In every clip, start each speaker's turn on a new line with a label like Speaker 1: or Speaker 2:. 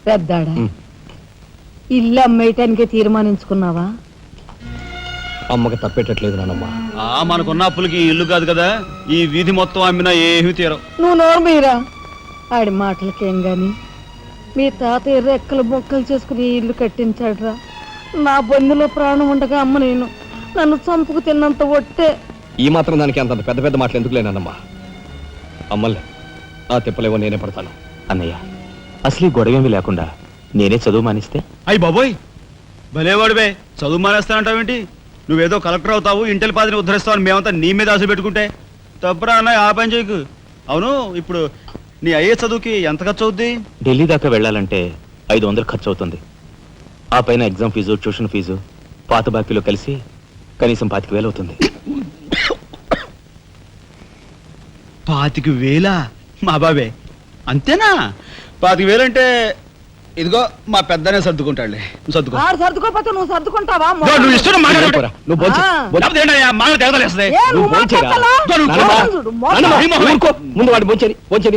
Speaker 1: పెద్దాడా ఇల్లు అమ్మేయటానికి తీర్మానించుకున్నావా?
Speaker 2: అమ్మకి తప్పేటట్లేదు నానమ్మా.
Speaker 3: మనకున్న అప్పులకి ఇల్లు కాదు కదా, ఈ వీధి మొత్తం అమ్మినా ఏమీ తీరం.
Speaker 1: నువ్వు నోరు మీరా. ఆడి మాటలకేం గాని మీ తాతయ్య రెక్కలు బొక్కలు చేసుకుని ఇల్లు కట్టించాడురా. నా బొందులో ప్రాణం ఉండగా అమ్మ నేను నన్ను చంపుకు తిన్నంత ఒట్టే.
Speaker 2: ఈ మాత్రం దానికి అంత పెద్ద పెద్ద మాటలు ఎందుకు లేనమ్మా? అమ్మలే ఆ తిప్పలేవో నేనే పడతాను.
Speaker 4: అన్నయ్య, అసలు గొడవేమీ లేకుండా నేనే చదువు మానిస్తే?
Speaker 3: అయ్యి బాబోయ్, భలేవాడివే. చదువు మానేస్తానంటావేంటి? నువ్వేదో కలెక్టర్ అవుతావు, ఇంటెల్ పాదిని ఉద్ధరిస్తావు అని మేమంతా నీ మీద ఆశ పెట్టుకుంటే తప్పురా అన్న. ఆ పని చేయకు. అవును, ఇప్పుడు నీ అయ్యే చదువుకి ఎంత ఖర్చు అవుద్ది?
Speaker 4: ఢిల్లీ దాకా వెళ్ళాలంటే 500 ఖర్చు అవుతుంది. ఆ పైన ఎగ్జామ్ ఫీజు, ట్యూషన్ ఫీజు, పాత బాకీలో కలిసి కనీసం 25,000 అవుతుంది.
Speaker 3: 25,000? మా బాబే అంతేనా? 25,000 అంటే ఇదిగో మా పెద్దనే సర్దుకుంటాడులే. సర్దుకో.
Speaker 1: సర్దుకోపోతే నువ్వు సర్దుకుంటావా?
Speaker 3: నువ్వు ఇష్టం మాట్లాడు.
Speaker 2: నువ్వు ముందు వాడి బోంచేది.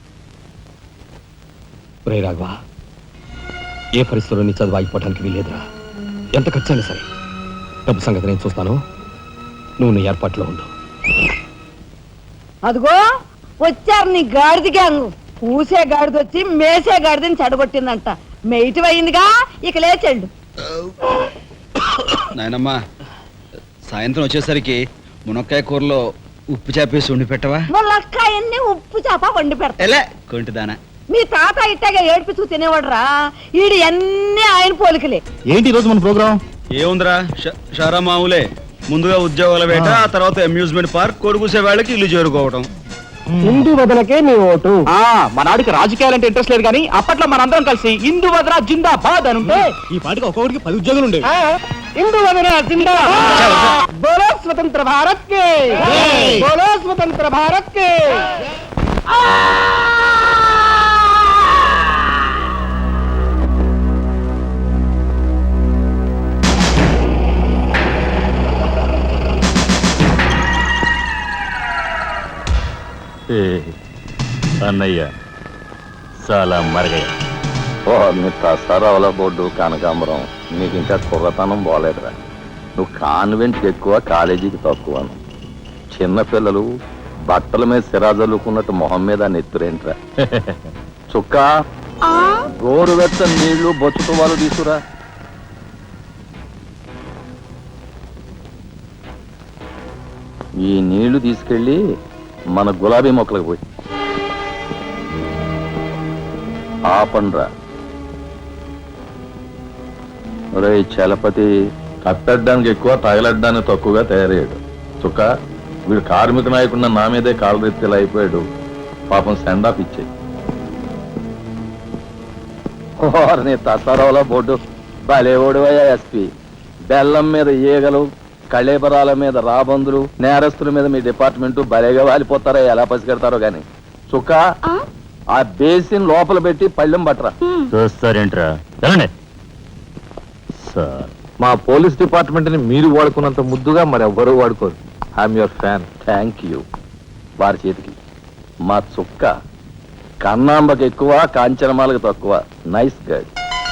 Speaker 2: రే రాఘవా, ఏ పరిస్థితుల్లో నీ చదువు ఆగిపోవటానికి వీలేదురా. ఎంత ఖర్చైనా సరే డబ్బు సంగతి నేను చూస్తాను. నువ్వు నీ ఏర్పాట్లో ఉండు.
Speaker 1: అదిగో వచ్చారు నీ గాడిద గ్యాంగ్. పూసే గాడిద వచ్చి మేసే గాడిదని చెడగొట్టిందంట. మెయిటివ్ అయిందిగా, ఇక లేచండు.
Speaker 3: నాయనమ్మా, సాయంత్రం వచ్చేసరికి మునక్కాయ కూరలో ఉప్పు చేపేసి వండి పెట్టవా?
Speaker 1: మునక్కాయన్ని ఉప్పు చేప వండి పెడతా.
Speaker 3: కొంటిదానా,
Speaker 1: మీ తాత ఇట్టగా ఏడిపిస్తూ తినేవాడురా. ఈడు అన్ని ఆయన పోలికలే.
Speaker 4: ఏంటి ఈరోజు మన ప్రోగ్రామ్?
Speaker 3: ఏముందిరా, షారా మామూలే. ముందుగా ఉద్యోగాల వేట, ఆ తర్వాత అమ్యూజ్మెంట్ పార్క్, కొడుకుసే వాళ్ళకి ఇల్లు చేరుకోవడం.
Speaker 2: హిందూ వదనకే నీ ఓటు.
Speaker 4: మన ఆడికి రాజకీయాలంటే ఇంట్రెస్ట్ లేదు కానీ అప్పట్లో మనందరం కలిసి హిందూ వదన జిందాబాద్ అని ఉంటే ఈ పాటికి ఒక్కొక్కడికి 10 ఉద్యోగాలు ఉండేవి.
Speaker 2: హిందూ వదన జిందాబాద్. బోలో స్వతంత్ర భారత్ కే, బోలో స్వతంత్ర భారత్ కే.
Speaker 4: అన్నయ్య చాలా మరగయ్య.
Speaker 5: నీ తసారావుల బోర్డు కనకాంబరం, నీకు ఇంకా కుర్రతనం పోలేదురా. నువ్వు కాన్వెంట్కి ఎక్కువ, కాలేజీకి తక్కువను. చిన్నపిల్లలు బట్టల మీద సిరాజల్లుకున్నట్టు మొహం మీద నెత్తురేంట్రా. చుక్క గోరువెచ్చని నీళ్లు బొచ్చుతో వాళ్ళు తీసుకురా. ఈ నీళ్లు తీసుకెళ్ళి మన గులాబీ మొక్కలకు పోయి ఆపండ్రా. రే చలపతి, కట్టడానికి ఎక్కువ, తగలడ్డానికి తక్కువగా తయారయ్యాడు. చుక్క, వీడు కార్మిక నాయకున్న నా మీదే కాలరెత్తిలా అయిపోయాడు. పాపం సెండ్ ఆఫ్ ఇచ్చే. నీ తసారావుల బోర్డు భలేవోడువయ్యా ఎస్పీ. బెల్లం మీద ఈగలు, కళేబరాల మీద రాబందులు, నేరస్తుల మీద మీ డిపార్ట్మెంట్ భలేగా వాలిపోతారా. ఎలా పసిగడతారో గాని. చుక్క, ఆ బేసిన్ లోపల పెట్టి పళ్ళెం పట్టరా.
Speaker 4: చూస్తారేంట్రా?
Speaker 5: సార్, మా పోలీస్ డిపార్ట్మెంట్ ని మీరు వాడుకున్నంత ముద్దుగా మరి ఎవ్వరూ వాడుకోరు. I'm your fan. Thank you. వారి చేతికి మా చుక్క కన్నాంబకి ఎక్కువ, కాంచనమాలకు తక్కువ. Nice guide.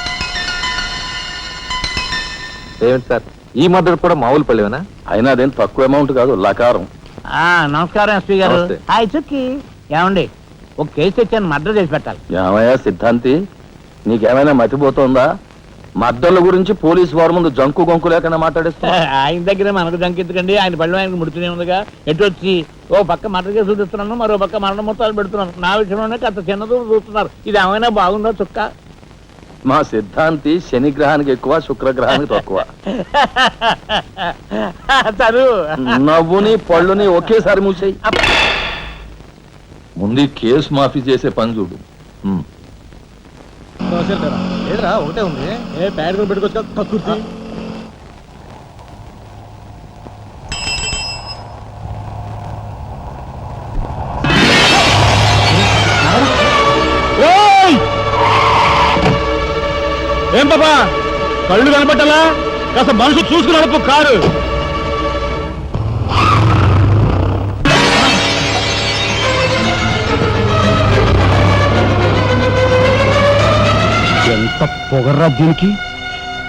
Speaker 5: ఏమిటి సార్, ఈ మద్దతు కూడా మామూలు పళ్ళేనా? అయినా అదేం తక్కువ అమౌంట్ కాదు, లకారం.
Speaker 6: నమస్కారం ఎస్పీ గారు. హాయ్ చుక్కి. ఏమండి, ఒక కేసు తెచ్చాను, మర్డర్ చేసి పెట్టాలి.
Speaker 5: ఏమయ్యా సిద్ధాంతి, నీకేమైనా మతిపోతుందా? మద్దళ్ళ గురించి పోలీసు వారి ముందు జంకు గొంకు లేకుండా మాట్లాడేస్తా.
Speaker 6: ఆయన దగ్గర మనకు జంకెత్తుకండి, ఆయన పళ్ళు ఆయనకు ముడుతూనే ఉందిగా. ఎటు వచ్చి ఓ పక్క మర్డర్ కేసు చూపిస్తున్నాను, మరో పక్క మరణ మొత్తాలు పెడుతున్నాను. నా విషయంలోనే అంత చిన్నదో చూస్తున్నారు. ఇది ఏమైనా బాగుందో చుక్క?
Speaker 5: మా సిద్ధాంతి శనిగ్రహానికి ఎక్కువ, శుక్రగ్రహానికి తక్కువ. నవ్వుని పళ్ళుని ఒకేసారి మూసేయి. ముందు కేసు మాఫీ చేసే పని చూడు.
Speaker 2: ఒకటే ఉంది. ఏ ప్యాడ్ పెట్టుకోవచ్చు.
Speaker 3: ఏం బాబా, కళ్ళు కనపట్టాలా? కాస్త మనసు చూసుకుని నడుపు కారు.
Speaker 2: ఎంత పొగర్రా దీనికి